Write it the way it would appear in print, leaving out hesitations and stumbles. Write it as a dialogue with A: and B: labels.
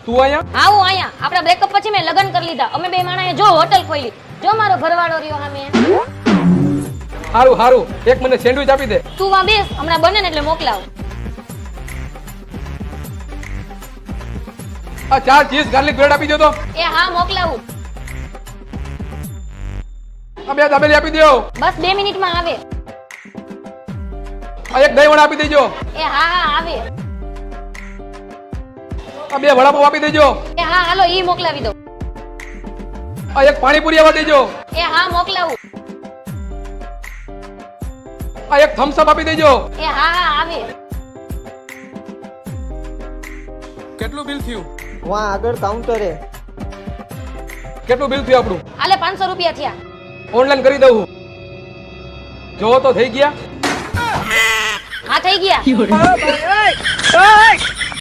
A: તું અહીંયા?
B: હા હું અહીંયા. આપણા બ્રેકઅપ પછી મેં લગ્ન કરી લીધા. અમે બે માણાએ જો હોટલ ખોલી. જો મારો ઘરવાળો રહ્યો સામે.
A: હારું હારું, એક મને સેન્ડવિચ આપી દે.
B: તું વા બેસ, હમણાં બને ને એટલે મોકલાવ.
A: આ 4 ચીઝ ગાર્લિક બ્રેડ આપી દો તો.
B: એ હા મોકલાવું.
A: આ 2 દાબેલી આપી દો.
B: બસ 2 મિનિટમાં આવે.
A: આ એક દહીં વડા આપી દેજો.
B: એ હા હા આવે.
A: આ 2 વડાપાવ આપી દેજો.
B: એ હા હાલો ઈ મોકલાવી દો.
A: આ એક પાણીપુરી આવવા દેજો.
B: એ હા મોકલાવું.
A: આ એક થમ્સ અપ આપી દેજો.
B: એ હા હા આવે.
A: કેટલું બિલ થયું?
C: વાં આગળ કાઉન્ટરે.
A: કેટલું બિલ થયું આપણું?
B: આલે 500 રૂપિયા થયા.
A: ઓનલાઈન કરી દઉં. જો તો થઈ ગયા.
B: હા થઈ ગયા.